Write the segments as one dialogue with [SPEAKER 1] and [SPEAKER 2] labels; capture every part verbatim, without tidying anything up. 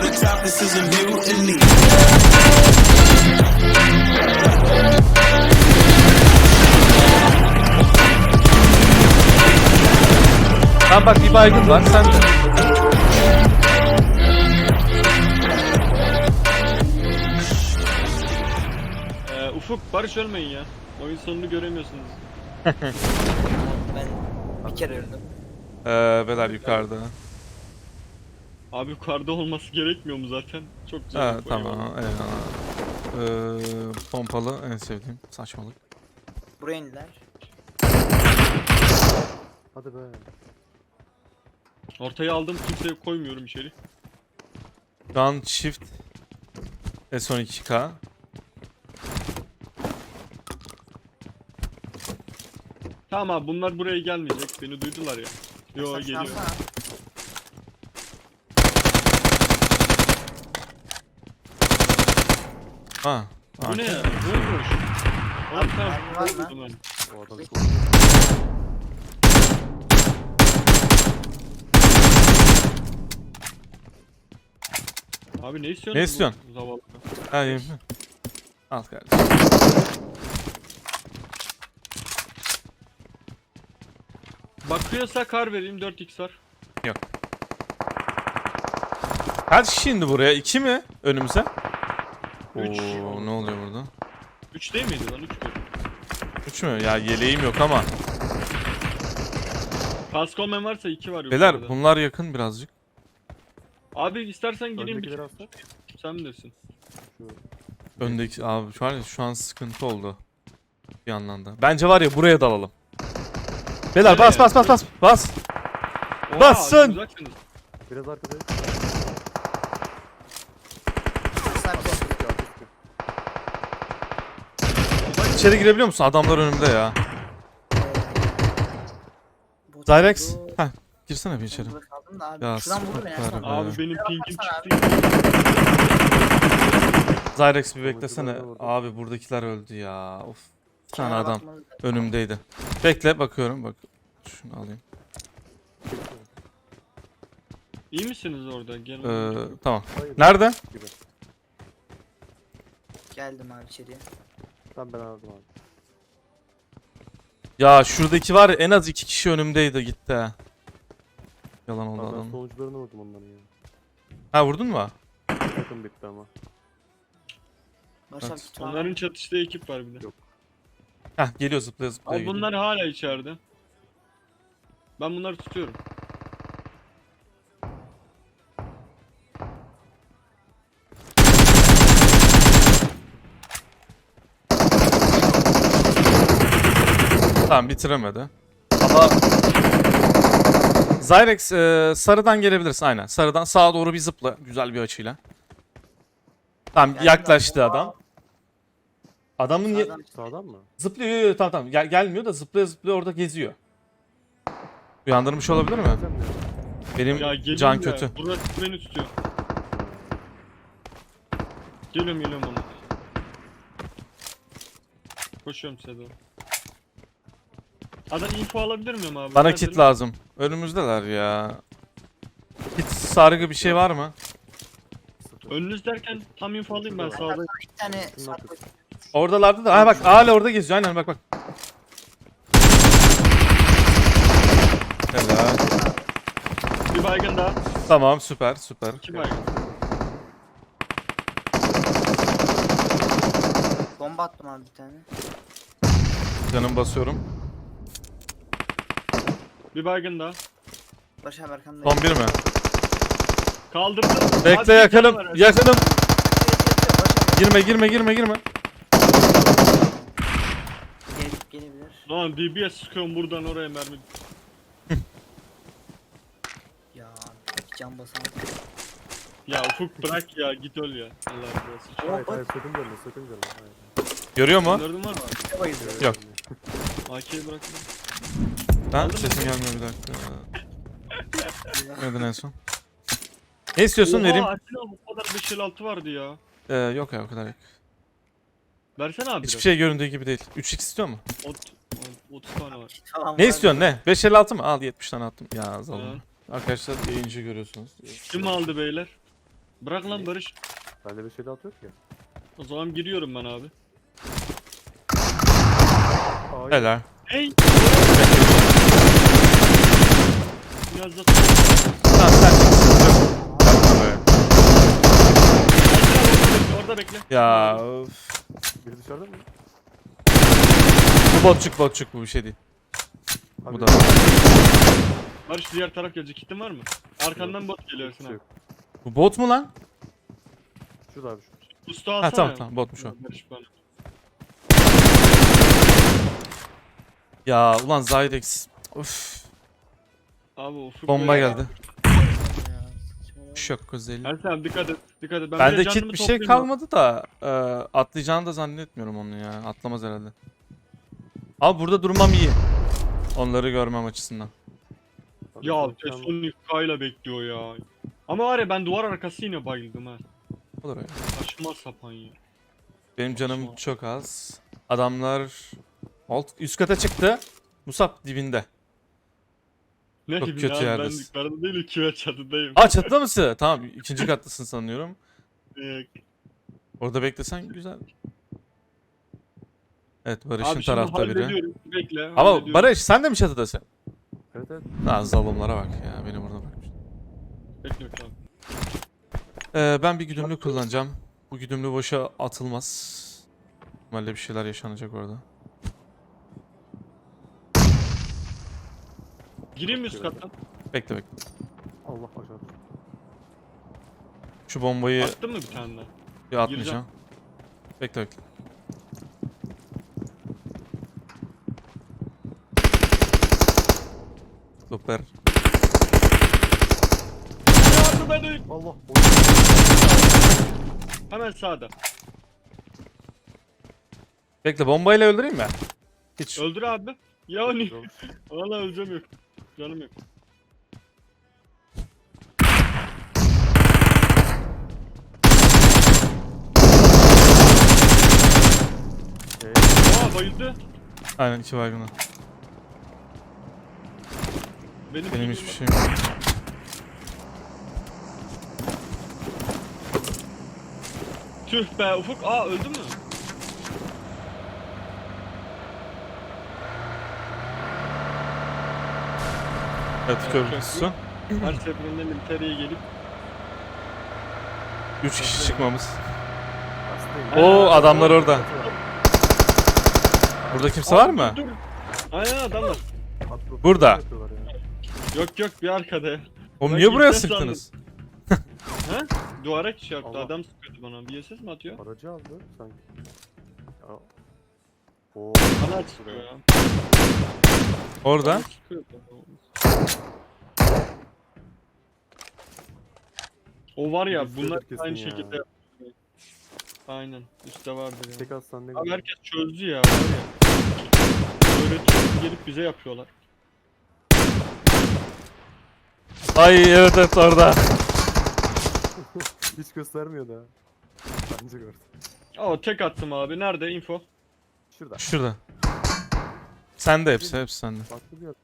[SPEAKER 1] the top, this is a mutiny.
[SPEAKER 2] Tamam bak bir baygın var sen de.
[SPEAKER 3] Ee, Ufuk, Barış ölmeyin ya. Oyun sonunu göremiyorsunuz.
[SPEAKER 4] Ben bir kere öldüm.
[SPEAKER 2] Ee, Beler yukarıda.
[SPEAKER 3] Abi yukarıda olması gerekmiyor mu zaten? Çok güzel.
[SPEAKER 2] Ha,
[SPEAKER 3] bir oyun
[SPEAKER 2] tamam
[SPEAKER 3] oldu.
[SPEAKER 2] eyvallah. Ee, pompalı en sevdiğim saçmalık.
[SPEAKER 4] Buraya indiler.
[SPEAKER 5] Hadi be.
[SPEAKER 3] Ortaya aldım, kimseye koymuyorum içeri.
[SPEAKER 2] Şu an çift S on iki K.
[SPEAKER 3] Tamam abi, bunlar buraya gelmeyecek. Beni duydular ya. Yo,
[SPEAKER 4] Sen
[SPEAKER 3] geliyor.
[SPEAKER 4] şansına.
[SPEAKER 2] Ha.
[SPEAKER 3] Bu ne ya?
[SPEAKER 2] arka-
[SPEAKER 3] Bomboş. Abi tamam.
[SPEAKER 4] mermi var mı?
[SPEAKER 3] vurdum ben.
[SPEAKER 5] O adam
[SPEAKER 3] Abi ne istiyorsun?
[SPEAKER 2] Ne istiyorsun?
[SPEAKER 3] Bu zavallı.
[SPEAKER 2] Ha, iyi mi? Al kardeşim.
[SPEAKER 3] Bakıyorsa kar vereyim, dört x var.
[SPEAKER 2] Kaç kişi indi buraya? İki mi? Önümüze?
[SPEAKER 3] Üç.
[SPEAKER 2] Oo, ne oluyor burada?
[SPEAKER 3] üç değil miydi lan? üç mü?
[SPEAKER 2] Üç mü? Ya yeleğim yok ama.
[SPEAKER 3] Kaskomen varsa iki var
[SPEAKER 2] Beyler
[SPEAKER 3] yukarıda.
[SPEAKER 2] bunlar yakın birazcık.
[SPEAKER 3] Abi istersen gireyim bir
[SPEAKER 5] öndekileri alsak.
[SPEAKER 3] sen bilirsin.
[SPEAKER 2] Öndeki abi şu an şu an sıkıntı oldu. Bir yandan da. Bence var ya buraya dalalım. Beyler
[SPEAKER 3] Nereye?
[SPEAKER 2] bas bas bas bas bas.
[SPEAKER 3] Oha,
[SPEAKER 2] Bassın!
[SPEAKER 3] uzaksınız.
[SPEAKER 5] Biraz arkadayız.
[SPEAKER 4] Sen bir
[SPEAKER 5] Üstü, altı üstü.
[SPEAKER 2] İçeri girebiliyor musun? Adamlar önümde ya.
[SPEAKER 4] bot
[SPEAKER 2] Zyrex.
[SPEAKER 4] oldu.
[SPEAKER 2] Heh, girsene bir içeri.
[SPEAKER 4] Ben burada kaldım da abi.
[SPEAKER 2] Ya,
[SPEAKER 4] Şuradan vurdu beni
[SPEAKER 2] süper
[SPEAKER 4] Ersan
[SPEAKER 2] be.
[SPEAKER 4] abi.
[SPEAKER 3] Abi benim pingim
[SPEAKER 4] baksana
[SPEAKER 3] çıktı.
[SPEAKER 2] Zyrex bir beklesene.
[SPEAKER 5] Oradakiler de
[SPEAKER 2] Abi buradakiler öldü ya. Of. Bir tane
[SPEAKER 4] Kenara
[SPEAKER 2] adam
[SPEAKER 4] bakmanız lazım.
[SPEAKER 2] önümdeydi. Bekle bakıyorum bak. Şunu alayım.
[SPEAKER 3] İyi misiniz orada? Gelin.
[SPEAKER 2] Ee, tamam.
[SPEAKER 5] Hayır.
[SPEAKER 2] Nerede?
[SPEAKER 5] Gibi.
[SPEAKER 4] Geldim abi içeriye.
[SPEAKER 5] Tamam ben aldım abi.
[SPEAKER 2] Ya şuradaki var ya en az iki kişi önümdeydi gitti ha. Yalan oldu
[SPEAKER 5] Abi ben
[SPEAKER 2] adam.
[SPEAKER 5] sonuçlarını vurdum onların ya.
[SPEAKER 2] Ha vurdun mu?
[SPEAKER 5] Takım bitti ama.
[SPEAKER 4] Başak
[SPEAKER 2] Evet.
[SPEAKER 4] git var.
[SPEAKER 3] Onların çatıştığı ekip var bir de.
[SPEAKER 5] Yok.
[SPEAKER 2] Heh geliyor zıplaya zıplaya
[SPEAKER 3] Abi
[SPEAKER 2] gidiyor.
[SPEAKER 3] bunlar hala içeride. Ben bunları tutuyorum.
[SPEAKER 2] Tamam bitiremedi. Ama Zyrex e, sarıdan gelebilirsin aynen. Sarıdan sağa doğru bir zıpla güzel bir açıyla. Tamam
[SPEAKER 4] Geldim
[SPEAKER 2] yaklaştı
[SPEAKER 4] ben.
[SPEAKER 2] adam. Adamın ye-
[SPEAKER 4] Sağdan-
[SPEAKER 5] Sağdan mı?
[SPEAKER 2] zıplıyor yo, yo, tamam tamam Gel- gelmiyor da zıplaya zıplaya orada geziyor. Uyandırmış olabilir mi?
[SPEAKER 5] Geleceğim ya.
[SPEAKER 2] Benim
[SPEAKER 3] Ya gelin
[SPEAKER 2] can
[SPEAKER 3] ya.
[SPEAKER 2] kötü.
[SPEAKER 3] Burası beni tutuyor. Geliyorum geliyorum ona. Koşuyorum size doğru. Adam info alabilir miyim abi?
[SPEAKER 2] Bana
[SPEAKER 3] Neredeler?
[SPEAKER 2] kit lazım. Önümüzdeler ya. Kit sargı bir şey var mı?
[SPEAKER 5] Sıfır.
[SPEAKER 3] Önünüz derken tam info alayım ben sağda.
[SPEAKER 4] Bir tane
[SPEAKER 5] Şunun
[SPEAKER 4] sarp
[SPEAKER 5] arkası.
[SPEAKER 2] Oradalardı da. Ha bak hala orada geziyor. Aynen bak bak. Helal.
[SPEAKER 3] Bir baygın daha.
[SPEAKER 2] Tamam süper süper.
[SPEAKER 3] İki baygın.
[SPEAKER 4] bomba attım abi bir tane.
[SPEAKER 2] Canım basıyorum.
[SPEAKER 3] Bir baygın daha.
[SPEAKER 4] Başak arkamda.
[SPEAKER 2] Son bir mi?
[SPEAKER 3] Kaldırdım.
[SPEAKER 2] Bekle
[SPEAKER 3] Abi,
[SPEAKER 2] yakınım.
[SPEAKER 3] bir tane var.
[SPEAKER 2] Yakınım.
[SPEAKER 4] Başak
[SPEAKER 2] Girme girme girme girme.
[SPEAKER 4] gelip gelebilir.
[SPEAKER 3] Lan D B S sıkıyorum buradan oraya mermi.
[SPEAKER 4] Ya abi can basamadım.
[SPEAKER 3] Ya Ufuk bırak ya, git öl ya. Allah razı olsun.
[SPEAKER 5] Hayır hayır sakın gelme sakın gelme. Hayır.
[SPEAKER 2] Görüyor mu?
[SPEAKER 3] Öldürdün var mı?
[SPEAKER 2] Yok.
[SPEAKER 3] A K'yi bıraktım.
[SPEAKER 2] Ben sesim gelmiyor bir dakika. Neden en son? Ne istiyorsun vereyim?
[SPEAKER 3] Oha Atilla bu kadar beş elli altı vardı ya.
[SPEAKER 2] Ee, yok ya o kadar yok.
[SPEAKER 3] Versene abi.
[SPEAKER 2] Hiçbir şey göründüğü gibi değil. üç x istiyor mu?
[SPEAKER 3] Ot, otuz tane var.
[SPEAKER 4] Tamam,
[SPEAKER 2] Ne
[SPEAKER 4] var.
[SPEAKER 2] istiyorsun ne? beş elli altı mı? Al yetmiş tane attım. Ya
[SPEAKER 3] Ha.
[SPEAKER 2] zalim. Arkadaşlar yayıncı görüyorsunuz.
[SPEAKER 3] Kim aldı beyler? Bırak lan Barış.
[SPEAKER 5] Bende bir şey daha yok ya.
[SPEAKER 3] O zaman giriyorum ben abi.
[SPEAKER 5] Ay,
[SPEAKER 2] Helal.
[SPEAKER 3] Hey! Biraz da
[SPEAKER 2] Tamam sen çıksın. Yapma be.
[SPEAKER 3] orada bekle.
[SPEAKER 2] Ya öf.
[SPEAKER 5] biri dışarıda mı?
[SPEAKER 2] Bu botçuk botçuk bu bir şey değil. Bu
[SPEAKER 5] Abi,
[SPEAKER 2] da.
[SPEAKER 3] Barış diğer taraf gelecek. Kitin var mı? Arkandan bot geliyor
[SPEAKER 5] hiçbir
[SPEAKER 3] Ersin
[SPEAKER 5] şey
[SPEAKER 3] abi.
[SPEAKER 5] yok.
[SPEAKER 2] Bu bot mu lan?
[SPEAKER 5] Şurada abi şu.
[SPEAKER 3] Usta alsana.
[SPEAKER 2] Ha tamam tamam botmuş o.
[SPEAKER 3] Barış bana.
[SPEAKER 2] Ya ulan Zydex. Uf.
[SPEAKER 3] Abi ufuk
[SPEAKER 2] Bomba
[SPEAKER 3] böyle-
[SPEAKER 2] geldi.
[SPEAKER 4] Ya, saçmalama.
[SPEAKER 2] Şok özelliği.
[SPEAKER 3] Ersin abi dikkat et. Dikkat et. Ben
[SPEAKER 2] Bende
[SPEAKER 3] de
[SPEAKER 2] kit
[SPEAKER 3] canımı
[SPEAKER 2] bir şey
[SPEAKER 3] toplayayım
[SPEAKER 2] kalmadı da e, atlayacağını da zannetmiyorum onu ya. Atlamaz herhalde. Abi burada durmam iyi. Onları görmem açısından.
[SPEAKER 5] Abi,
[SPEAKER 3] Ya
[SPEAKER 5] şu an-
[SPEAKER 3] Teson kayla bekliyor ya. Ama var ya ben duvar arkası yine bayıldım ha.
[SPEAKER 2] Olur öyle.
[SPEAKER 3] Saçma sapan ya.
[SPEAKER 2] Benim canım
[SPEAKER 3] Saçma.
[SPEAKER 2] çok az. Adamlar alt üst kata çıktı. Musab dibinde.
[SPEAKER 3] Ne
[SPEAKER 2] Çok
[SPEAKER 3] gibi
[SPEAKER 2] kötü
[SPEAKER 3] abi ben
[SPEAKER 2] yerdesin.
[SPEAKER 3] yukarıda değil iki çatıdayım.
[SPEAKER 2] Aa çatıda mısın? Tamam ikinci kattasın sanıyorum.
[SPEAKER 3] Ee,
[SPEAKER 2] Orada beklesen güzel. Evet Barış'ın
[SPEAKER 3] Abi şimdi
[SPEAKER 2] tarafta biri.
[SPEAKER 3] hallediyorum. Bekle.
[SPEAKER 2] Ama
[SPEAKER 3] hallediyorum.
[SPEAKER 2] Barış sen de mi çatıdasın?
[SPEAKER 5] Evet evet.
[SPEAKER 2] Lan zalimlere bak ya beni burada bakmış.
[SPEAKER 3] Bekle bekle abi.
[SPEAKER 2] Ee, ben bir güdümlü kullanacağım. Bu güdümlü boşa atılmaz. Normalde bir şeyler yaşanacak orada.
[SPEAKER 3] Gireyim mi üst kattan?
[SPEAKER 2] Bekle bekle.
[SPEAKER 5] Allah aşağı.
[SPEAKER 2] Şu bombayı
[SPEAKER 3] Attın mı bir tane daha?
[SPEAKER 2] bir atmayacağım. Bekle bekle. Süper.
[SPEAKER 3] Yardım edin.
[SPEAKER 5] Allah.
[SPEAKER 3] Hemen sağda.
[SPEAKER 2] Bekle bombayla öldüreyim mi? Hiç.
[SPEAKER 3] Öldür abi. Ya ni?
[SPEAKER 5] Oy.
[SPEAKER 3] Valla öleceğim yok. Canım yok.
[SPEAKER 5] Ee,
[SPEAKER 3] Aa bayıldı.
[SPEAKER 2] Aynen iki baygına.
[SPEAKER 3] Benim,
[SPEAKER 2] Benim hiçbir şeyim yok.
[SPEAKER 3] Tüh be Ufuk. Aa öldü mü?
[SPEAKER 2] Evet
[SPEAKER 3] Evet,
[SPEAKER 2] köprüsü.
[SPEAKER 3] Her seferinde militereye gelip
[SPEAKER 2] Üç kişi çıkmamız.
[SPEAKER 5] hastayım.
[SPEAKER 2] Oo adamlar orada. Burada kimse var mı?
[SPEAKER 3] Dur, dur. Aynen adamlar.
[SPEAKER 5] Atlı-
[SPEAKER 2] Burada.
[SPEAKER 5] yapıyorlar ya.
[SPEAKER 3] Yok yok bir arkada ya.
[SPEAKER 2] Oğlum
[SPEAKER 3] Ben
[SPEAKER 2] niye buraya
[SPEAKER 3] ilk kez
[SPEAKER 2] sıktınız?
[SPEAKER 3] Ha? Duvara şey yaptı.
[SPEAKER 5] Allah.
[SPEAKER 3] Adam sıkıyordu bana. B S S mi atıyor?
[SPEAKER 5] Aracı aldı sanki. Ya. Oo.
[SPEAKER 3] Bana sıkıyor ya.
[SPEAKER 2] Orada.
[SPEAKER 3] Bana sıkıyor. O var ya
[SPEAKER 5] Üstte
[SPEAKER 3] bunlar
[SPEAKER 5] kesin
[SPEAKER 3] aynı
[SPEAKER 5] ya.
[SPEAKER 3] şekilde yapıyor. Aynen üstte vardır ya.
[SPEAKER 5] Tek atsan ne
[SPEAKER 3] Abi
[SPEAKER 5] güzel.
[SPEAKER 3] herkes çözdü ya var ya. Öğretiyor gelip bize yapıyorlar.
[SPEAKER 2] Ay evet evet orada.
[SPEAKER 5] Hiç göstermiyor da. Bence gördüm.
[SPEAKER 3] Aa tek attım abi. Nerede info?
[SPEAKER 5] Şurada.
[SPEAKER 2] Şurada. Sende hepsi hepsi sende.
[SPEAKER 5] Farklı bir yer.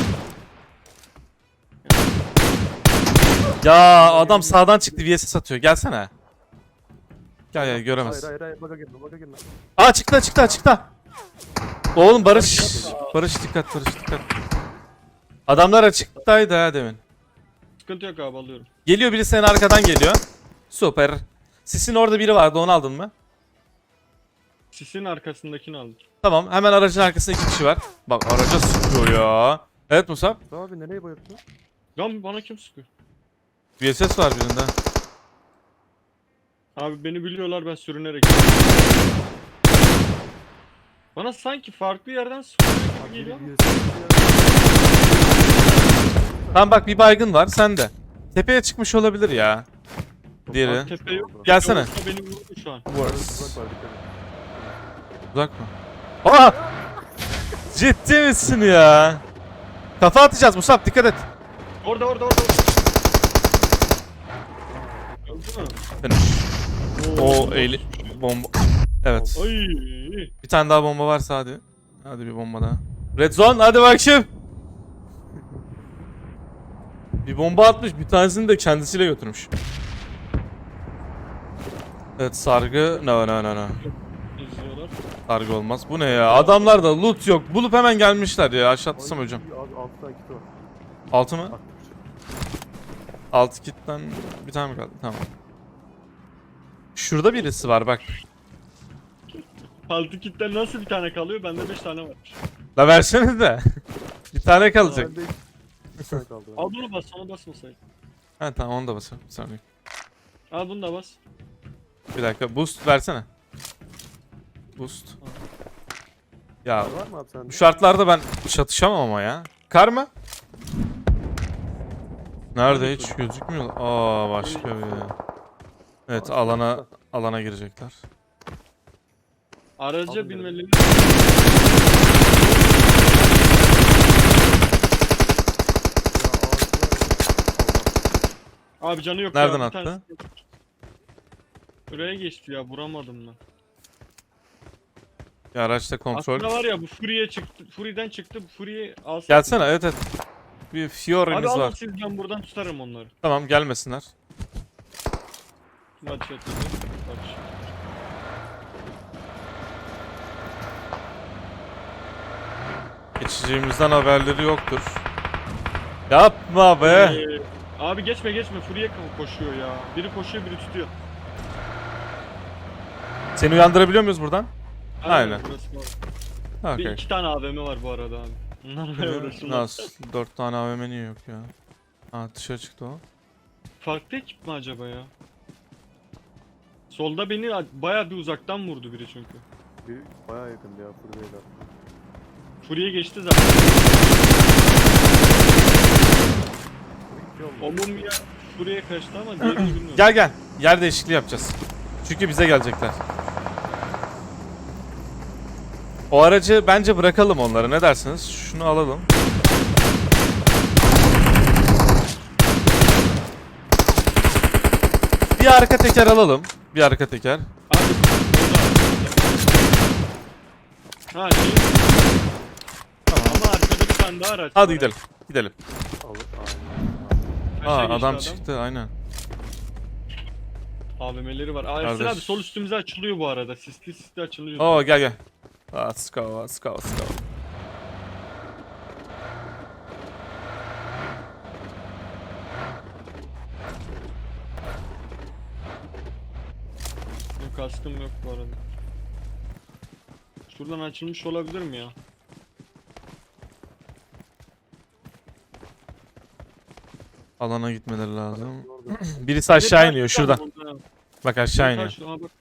[SPEAKER 2] Ya adam sağdan çıktı V S S atıyor. Gelsene. Gel gel
[SPEAKER 5] Hayır
[SPEAKER 2] göremez.
[SPEAKER 5] hayır hayır baka girme baka girme.
[SPEAKER 2] Aa çıktı çıktı çıktı. Oğlum Barış. Barış dikkat Barış dikkat. Adamlar açıktaydı ha demin.
[SPEAKER 3] Sıkıntı yok abi alıyorum.
[SPEAKER 2] Geliyor biri senin arkadan geliyor. Süper. Sisin orada biri vardı onu aldın mı?
[SPEAKER 3] Sisin arkasındakini aldım.
[SPEAKER 2] Tamam hemen aracın arkasında iki kişi var. Bak araca sıkıyor ya. Evet Musab.
[SPEAKER 5] Tamam abi nereye bayılttın?
[SPEAKER 3] Lan bana kim sıkıyor?
[SPEAKER 2] V S S var birinde.
[SPEAKER 3] Abi beni biliyorlar ben sürünerek. Bana sanki farklı yerden sıkıyor gibi geliyor.
[SPEAKER 5] Biri
[SPEAKER 3] ama.
[SPEAKER 2] Tamam bak bir baygın var sende. Tepeye çıkmış olabilir ya. Diğeri.
[SPEAKER 3] Abi tepe yok.
[SPEAKER 2] Gelsene.
[SPEAKER 3] Yoksa beni vurdu şu an.
[SPEAKER 5] Uzak var dikkat et.
[SPEAKER 2] Uzak mı? Aa! Ciddi misin ya? Kafa atacağız Musab dikkat et.
[SPEAKER 3] Orada orada orada. Öldü mü?
[SPEAKER 2] Finish. O eğli bomba. Evet.
[SPEAKER 3] Ay.
[SPEAKER 2] Bir tane daha bomba varsa hadi. Hadi bir bomba daha. Red zone hadi bakayım. Bir bomba atmış bir tanesini de kendisiyle götürmüş. Evet sargı. No no no no.
[SPEAKER 3] İzliyorlar.
[SPEAKER 2] Sargı olmaz. Bu ne ya? Adamlarda loot yok. Bulup hemen gelmişler ya. Aşağı atlasam
[SPEAKER 5] Ay,
[SPEAKER 2] hocam.
[SPEAKER 5] Abi altı tane kiti var.
[SPEAKER 2] Altı mı?
[SPEAKER 5] Bak.
[SPEAKER 2] Altı kitten bir tane mi kaldı? Tamam. Şurada birisi var bak.
[SPEAKER 3] Altı kitten nasıl bir tane kalıyor? Bende beş tane varmış.
[SPEAKER 2] La versene de. Bir tane kalacak.
[SPEAKER 5] Bende iki tane kaldı.
[SPEAKER 3] Al bunu bas, ona basmasaydın.
[SPEAKER 2] Ha tamam onu da basarım. Bir saniye.
[SPEAKER 3] Al bunu da bas.
[SPEAKER 2] Bir dakika boost versene. Boost. Ya
[SPEAKER 5] Var mı abi sende?
[SPEAKER 2] bu şartlarda ben çatışamam ama ya. Kar mı? Nerede hiç gözükmüyor. Aa başka bir. Evet
[SPEAKER 5] Başka
[SPEAKER 2] alana
[SPEAKER 5] başka.
[SPEAKER 2] alana girecekler.
[SPEAKER 3] Araca
[SPEAKER 5] Aldım
[SPEAKER 3] binmeli. Abi canı yok
[SPEAKER 2] Nereden
[SPEAKER 3] ya.
[SPEAKER 2] attı?
[SPEAKER 3] bir tanesi- Buraya geçti ya, vuramadım ben.
[SPEAKER 2] Ya araçta kontrol.
[SPEAKER 3] Aslında var ya, bu Fury'e çıktı. Fury'den çıktı. Bu Fury'yi alsın.
[SPEAKER 2] Gelsene evet evet. Bir
[SPEAKER 3] Abi
[SPEAKER 2] Fiora'mız
[SPEAKER 3] alın
[SPEAKER 2] var.
[SPEAKER 3] siz, ben buradan tutarım onları.
[SPEAKER 2] Tamam gelmesinler.
[SPEAKER 3] Maç yatırdı. Maç.
[SPEAKER 2] Geçeceğimizden haberleri yoktur. Yapma be.
[SPEAKER 3] Ee, abi geçme geçme, Fury'e ko- koşuyor ya. Biri koşuyor, biri tutuyor.
[SPEAKER 2] Seni uyandırabiliyor muyuz buradan? Aynen.
[SPEAKER 3] Burası var. Bir
[SPEAKER 2] Okey.
[SPEAKER 3] iki tane A V M var bu arada abi. Bunlarla uğraşırlar.
[SPEAKER 2] Nasıl? Dört tane A V M niye yok ya? Ha dışarı çıktı o.
[SPEAKER 3] Farklı ekip mi acaba ya? Solda beni a- bayağı bir uzaktan vurdu biri çünkü.
[SPEAKER 5] Bir bayağı yakındı ya buradaydı.
[SPEAKER 3] Fury'e geçti zaten. O mum ya Fury'e kaçtı ama diğerini bilmiyorum.
[SPEAKER 2] Gel gel. Yer değişikliği yapacağız. Çünkü bize gelecekler. O aracı bence bırakalım onlara. Ne dersiniz? Şunu alalım. Bir arka teker alalım. Bir arka teker.
[SPEAKER 3] Abi burada. Ha şey.
[SPEAKER 2] Tamam.
[SPEAKER 3] Ama arkada bir tane daha araç
[SPEAKER 2] Hadi
[SPEAKER 3] var.
[SPEAKER 2] gidelim. Gidelim.
[SPEAKER 5] Alır.
[SPEAKER 3] Aşağı
[SPEAKER 2] Aa
[SPEAKER 3] geçti
[SPEAKER 2] adam çıktı aynen.
[SPEAKER 3] A V M'leri var. Aa, Ersin
[SPEAKER 2] Kardeş.
[SPEAKER 3] abi sol üstümüze açılıyor bu arada. Sisli sisli açılıyor.
[SPEAKER 2] Oo gel gel. Let's go, let's go, let's go.
[SPEAKER 3] Benim kaskım yok bu arada. Şuradan açılmış olabilir mi ya?
[SPEAKER 2] Alana gitmeleri lazım.
[SPEAKER 5] Orada.
[SPEAKER 2] Birisi aşağı iniyor şuradan.
[SPEAKER 3] Burada.
[SPEAKER 2] Bak aşağı iniyor.
[SPEAKER 3] Karşı- Aa, bak.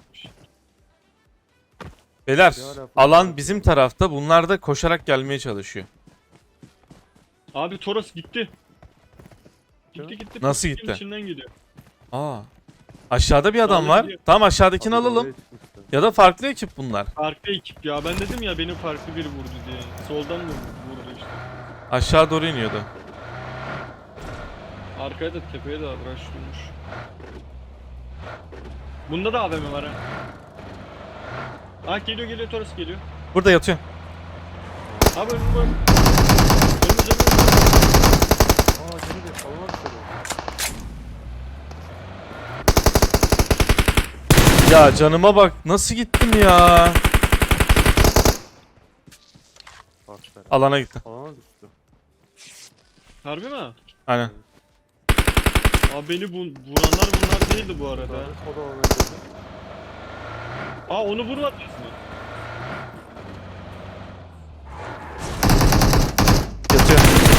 [SPEAKER 2] Beyler
[SPEAKER 5] Ya hala-
[SPEAKER 2] alan bizim tarafta. Bunlar da koşarak gelmeye çalışıyor.
[SPEAKER 3] Abi Toros gitti. Gitti
[SPEAKER 5] Ya.
[SPEAKER 3] gitti.
[SPEAKER 2] Nasıl
[SPEAKER 3] Pisliğin
[SPEAKER 2] gitti?
[SPEAKER 3] içinden gidiyor.
[SPEAKER 2] Aa. Aşağıda bir adam
[SPEAKER 3] Vallahi
[SPEAKER 2] var.
[SPEAKER 3] gidiyor.
[SPEAKER 2] Tamam aşağıdakini
[SPEAKER 5] Abi
[SPEAKER 2] alalım.
[SPEAKER 5] oraya çıkmıştı.
[SPEAKER 2] Ya da farklı ekip bunlar.
[SPEAKER 3] Farklı ekip ya. Ben dedim ya, beni farklı biri vurdu diye. Soldan vurdu, vurdu işte.
[SPEAKER 2] Aşağı doğru iniyordu.
[SPEAKER 3] Arkaya da tepeye de rush vurmuş. Bunda da A V M var ha. Ah geliyor geliyor, Toros geliyor.
[SPEAKER 2] Burada yatıyor.
[SPEAKER 3] Abi önüm var. Önümüz önümüz.
[SPEAKER 5] Aa geri de alana dışarı.
[SPEAKER 2] Ya canıma bak. Nasıl gittim ya?
[SPEAKER 5] Aferin.
[SPEAKER 2] Alana gitti.
[SPEAKER 5] Alana düştü.
[SPEAKER 3] Harbi mi?
[SPEAKER 2] Aynen.
[SPEAKER 3] Abi beni bu, vuranlar bunlar değildi bu arada.
[SPEAKER 5] O da alana girdi.
[SPEAKER 3] Aa onu vurmadınız mı?
[SPEAKER 2] Yatıyor.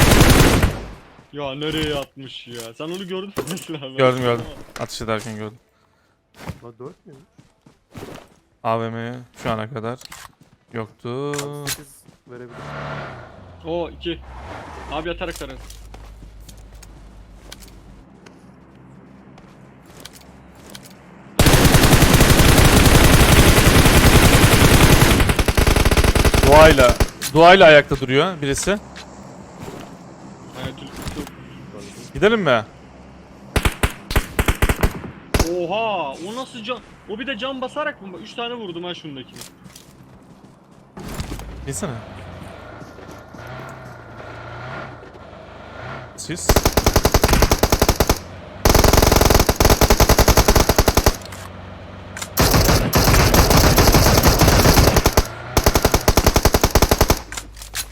[SPEAKER 3] Ya nereye atmış ya? Sen onu gördün mü mesela? Ben
[SPEAKER 2] Gördüm gördüm.
[SPEAKER 3] anlamadım.
[SPEAKER 2] Atış ederken gördüm.
[SPEAKER 5] La dört müymüş?
[SPEAKER 2] A V M şu ana kadar yoktu.
[SPEAKER 5] Abi sekiz verebilir.
[SPEAKER 3] Oo iki. Abi yatarak tararız.
[SPEAKER 2] Duayla. Duayla ayakta duruyor birisi.
[SPEAKER 3] Hayat ülkesi.
[SPEAKER 2] Gidelim mi?
[SPEAKER 3] Oha! O nasıl can? O bir de can basarak mı? üç tane vurdum ha şundakini.
[SPEAKER 2] Bilsene. Siz?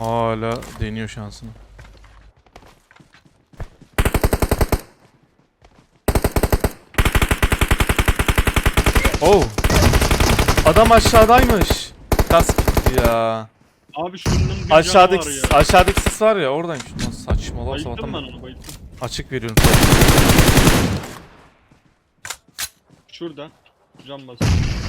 [SPEAKER 2] Hala deniyor şansını. Oh. Adam aşağıdaymış. Kask gitti ya.
[SPEAKER 3] Abi şunun bir
[SPEAKER 2] Aşağıdaki
[SPEAKER 3] canı var ya.
[SPEAKER 2] aşağıdaki sis var ya oradaymış. Nasıl saçmalama
[SPEAKER 3] Bayıldım ben
[SPEAKER 2] sabahtan
[SPEAKER 3] onu bayıldım.
[SPEAKER 2] açık veriyorum.
[SPEAKER 3] Şurada. Can basıyor.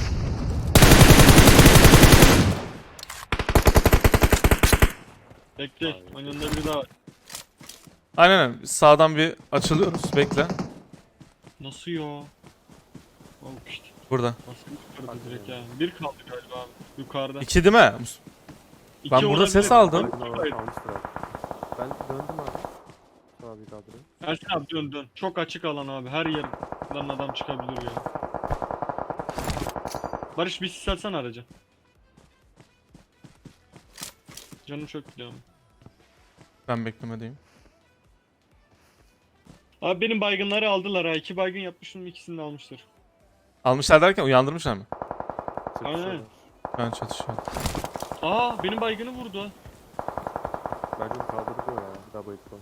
[SPEAKER 3] Bekle. Onun yanında biri daha var.
[SPEAKER 2] Aynen aynen. Sağdan bir açılıyoruz. Bekle.
[SPEAKER 3] Nasıl ya? Oh işte.
[SPEAKER 2] Burada.
[SPEAKER 3] Nasıl yukarıda direkt yani. Bir kaldı galiba abi. Yukarıda.
[SPEAKER 2] İki değil mi?
[SPEAKER 3] İki
[SPEAKER 2] Ben burada
[SPEAKER 3] olabilir.
[SPEAKER 2] ses aldım.
[SPEAKER 5] Baygın
[SPEAKER 3] Hayır.
[SPEAKER 5] olan almıştır abi. Ben döndüm abi. Abi kaldırayım.
[SPEAKER 3] Ersin abi dön dön. Çok açık alan abi. Her yerden adam çıkabilir ya. Barış bir sis atsana araca. Canım çok gidiyor ama.
[SPEAKER 2] Ben beklemedeyim.
[SPEAKER 3] Abi benim baygınları aldılar ha. İki baygın yapmışım, ikisini de almıştır.
[SPEAKER 2] Almışlar derken uyandırmışlar mı?
[SPEAKER 5] Çatışıyorlar.
[SPEAKER 2] Ben çatışıyorum.
[SPEAKER 3] Aa benim baygını vurdu ha.
[SPEAKER 5] Bence de kaldırdı o ya. Bir daha bayık var.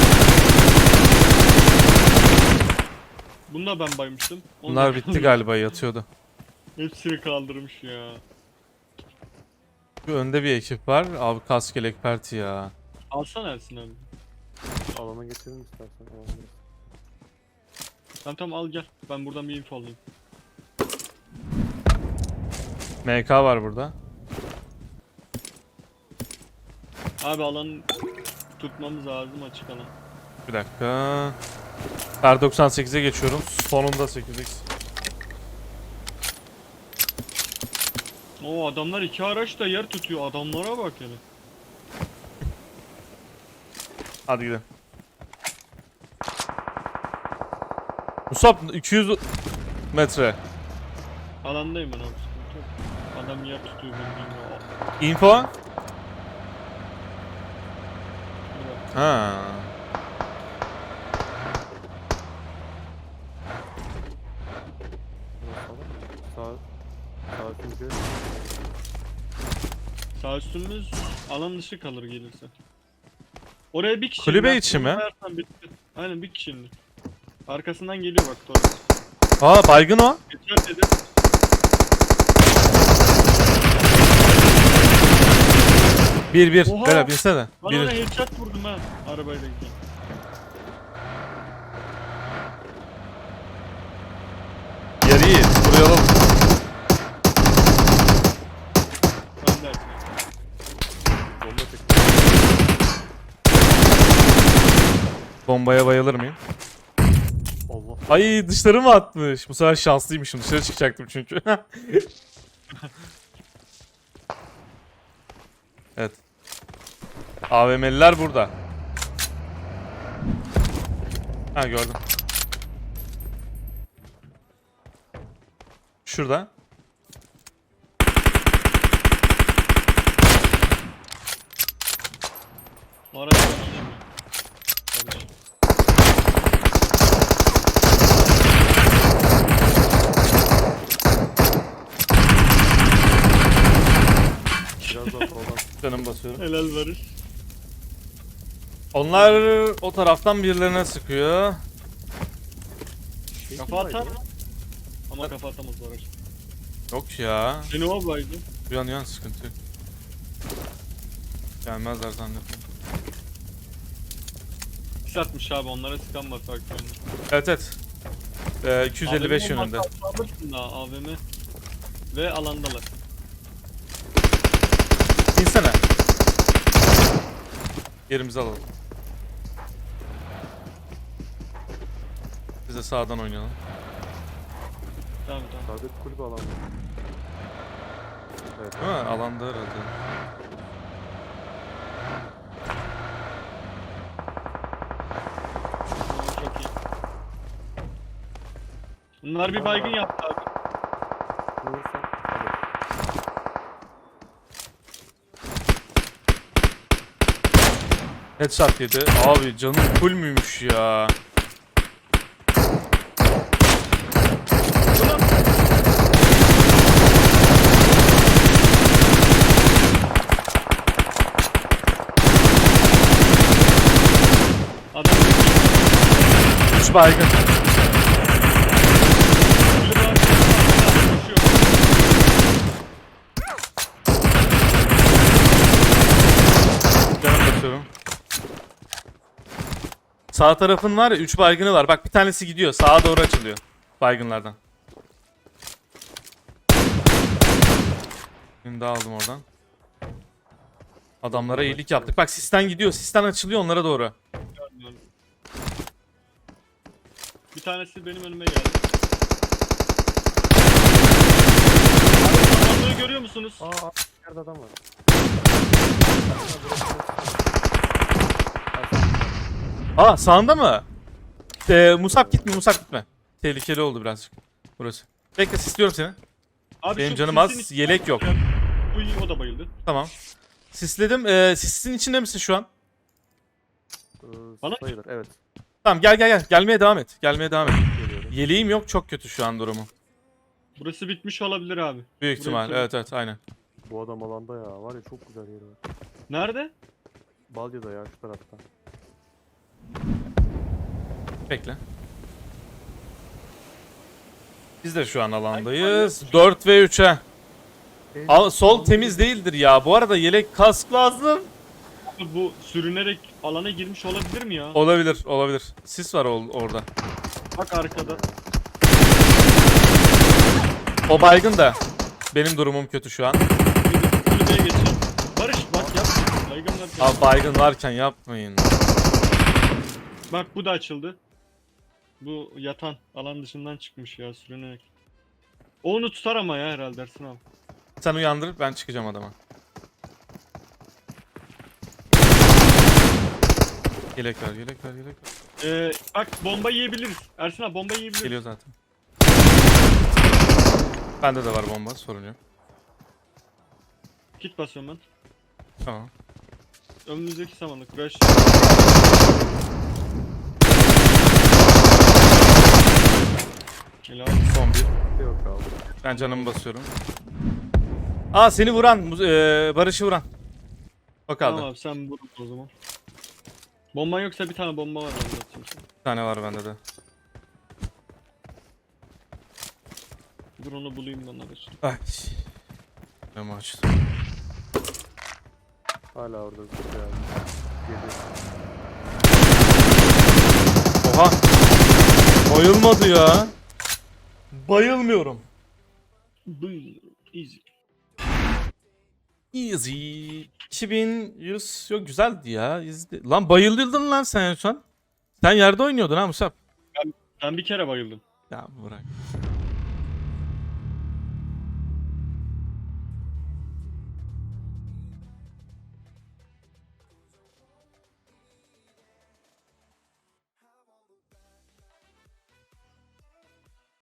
[SPEAKER 3] Bunu da ben baymıştım. Onu
[SPEAKER 2] Bunlar
[SPEAKER 3] da
[SPEAKER 2] bitti
[SPEAKER 3] kaldırmış.
[SPEAKER 2] galiba yatıyordu.
[SPEAKER 3] Hepsini kaldırmış ya.
[SPEAKER 2] Şu önde bir ekip var. Abi kask yelek perti ya.
[SPEAKER 3] Alsana Ersin abi.
[SPEAKER 5] Alana getirin istersen. Alana.
[SPEAKER 3] Tamam tamam al gel. Ben buradan bir info alayım.
[SPEAKER 2] M K var burada.
[SPEAKER 3] Abi alanı tutmamız lazım, açık alan.
[SPEAKER 2] Bir dakika. R doksan sekize geçiyorum. Sonunda sekiz x.
[SPEAKER 3] Oo adamlar iki araç da yer tutuyor. Adamlara bak yani.
[SPEAKER 2] Hadi gidelim. Musab iki yüz metre.
[SPEAKER 3] Alandayım ben abi, sıkıntı yok. Adam yer tutuyor bildiğin ya.
[SPEAKER 2] Info?
[SPEAKER 3] Şurada.
[SPEAKER 2] Ha.
[SPEAKER 5] Sağ. Sağ çünkü.
[SPEAKER 3] Sağ üstümüz alan dışı kalır gelirse. Oraya bir kişi
[SPEAKER 2] Kulübe
[SPEAKER 3] indi.
[SPEAKER 2] içi mi?
[SPEAKER 3] Sayarsan bitti. Aynen bir kişi indi. Arkasından geliyor bak Torres.
[SPEAKER 2] Aa baygın o.
[SPEAKER 3] Geçer dedi.
[SPEAKER 2] Bir bir.
[SPEAKER 3] Oha!
[SPEAKER 2] Bela binsene.
[SPEAKER 3] Ben ona
[SPEAKER 2] Bir.
[SPEAKER 3] headshot vurdum ha arabayla gidiyorum.
[SPEAKER 2] Yeri iyi. Buraya alalım.
[SPEAKER 3] Ben de Ersin.
[SPEAKER 5] Bomba çekti.
[SPEAKER 2] Bombaya bayılır mıyım?
[SPEAKER 5] Allah.
[SPEAKER 2] Ay dışarı mı atmış? Bu sefer şanslıymışım. Dışarı çıkacaktım çünkü. Evet. A V M'liler burada. Ha gördüm. Şurada.
[SPEAKER 3] Araç ben alayım ya. Barış.
[SPEAKER 5] Biraz daha soldan.
[SPEAKER 2] Canım basıyorum.
[SPEAKER 3] Helal Barış.
[SPEAKER 2] Onlar o taraftan birilerine sıkıyor.
[SPEAKER 3] Kafa atar mı? Ama kafa atamaz Barış.
[SPEAKER 2] Yok ya.
[SPEAKER 3] Seni o baydı.
[SPEAKER 2] Uyan uyan sıkıntı yok. Gelmezler zannettim.
[SPEAKER 3] Pis atmış abi, onlara sıkan bak bak yani.
[SPEAKER 2] Evet evet. Ee, iki yüz elli beş
[SPEAKER 3] A V M
[SPEAKER 2] yönünde.
[SPEAKER 3] olmazsa alırsın daha A V M. Ve alandalar.
[SPEAKER 2] İnsene. Yerimizi alalım. Biz de sağdan oynayalım.
[SPEAKER 3] Tamam tamam.
[SPEAKER 5] Sağdaki kulübe alan. Evet.
[SPEAKER 2] Değil mi? Alanda herhalde.
[SPEAKER 3] Oo, çok iyi. Bunlar bir baygın yaptı abi.
[SPEAKER 5] Vurursan. Hadi.
[SPEAKER 2] Headshot yedi. Abi canım full müymüş ya. üç baygın.
[SPEAKER 3] Biri daha- koşuyor.
[SPEAKER 2] Canım basıyorum. Sağ tarafın var ya üç baygını var. Bak bir tanesi gidiyor. Sağa doğru açılıyor. Baygınlardan. Birini daha aldım oradan. Adamlara iyilik yaptık. Bak sisten gidiyor. Sisten açılıyor onlara doğru.
[SPEAKER 3] Görmüyorum. Bir tanesi benim önüme geldi. Abi, adamları görüyor musunuz?
[SPEAKER 5] Aa, yerde adam var.
[SPEAKER 2] Aa sağında mı? Ee, Musab gitme Musab gitme. Tehlikeli oldu birazcık burası. Bekle sisliyorum seni.
[SPEAKER 3] Abi
[SPEAKER 2] Benim
[SPEAKER 3] şu
[SPEAKER 2] canım
[SPEAKER 3] sisin
[SPEAKER 2] az,
[SPEAKER 3] içinde-
[SPEAKER 2] yelek yok.
[SPEAKER 3] Bu iyi, o da bayıldı.
[SPEAKER 2] Tamam. Sisledim. Ee, sisin içinde misin şu an?
[SPEAKER 5] Ee,
[SPEAKER 3] Bana-
[SPEAKER 5] sayılır, evet.
[SPEAKER 2] Tamam gel gel gel. Gelmeye devam et. Gelmeye devam et.
[SPEAKER 5] Geliyorum.
[SPEAKER 2] Yeleğim yok çok kötü şu an durumu.
[SPEAKER 3] Burası bitmiş olabilir abi.
[SPEAKER 2] Büyük
[SPEAKER 3] Burayı
[SPEAKER 2] ihtimal.
[SPEAKER 3] bitirdim.
[SPEAKER 2] Evet evet aynen.
[SPEAKER 5] Bu adam alanda ya. Var ya çok güzel yeri var.
[SPEAKER 3] Nerede?
[SPEAKER 5] Balya'da ya şu tarafta.
[SPEAKER 2] Bekle. Biz de şu an alandayız. dört ve üçe. Al, sol temiz değildir ya. Bu arada yelek kask lazım.
[SPEAKER 3] Abi bu sürünerek alana girmiş olabilir mi ya?
[SPEAKER 2] Olabilir olabilir. Sis var ol- orada.
[SPEAKER 3] Bak arkada.
[SPEAKER 2] O baygın da. Benim durumum kötü şu an.
[SPEAKER 3] Kulübeye geçeceğim. Barış bak yap. Baygınlar.
[SPEAKER 2] Abi baygın varken yapmayın.
[SPEAKER 3] Bak bu da açıldı. Bu yatan alan dışından çıkmış ya sürünerek. O onu tutar ama ya herhalde Ersin abi.
[SPEAKER 2] Sen uyandır ben çıkacağım adama. Yelek ver yelek ver yelek ver.
[SPEAKER 3] Ee, bak bomba yiyebiliriz. Ersin abi bomba yiyebiliriz.
[SPEAKER 2] Geliyor zaten. Bende de var bomba sorun yok.
[SPEAKER 3] Kit basıyorum ben.
[SPEAKER 2] Tamam.
[SPEAKER 3] Önümüzdeki samanlık. Rush. Helal.
[SPEAKER 2] Son bir.
[SPEAKER 5] Bir yok kaldı.
[SPEAKER 2] Ben canımı basıyorum. Aa seni vuran, e, Barış'ı vuran. O kaldı.
[SPEAKER 3] Tamam abi sen vur o zaman. Bomban yoksa bir tane bomba var ben de atayım sana.
[SPEAKER 2] Bir tane var bende de.
[SPEAKER 3] Dur onu bulayım ben Barış.
[SPEAKER 2] Ay. Camı açtım.
[SPEAKER 5] Hala orada güzel. Geliyor.
[SPEAKER 2] Oha. Bayılmadı ya. Bayılmıyorum.
[SPEAKER 3] Buyur. Easy.
[SPEAKER 2] Easy. iki bin yüz yok güzeldi ya. İzle. Lan bayıldın lan sen şu an. Sen yerde oynuyordun ha Musab.
[SPEAKER 3] Ben bir kere bayıldım.
[SPEAKER 2] Ya bırak.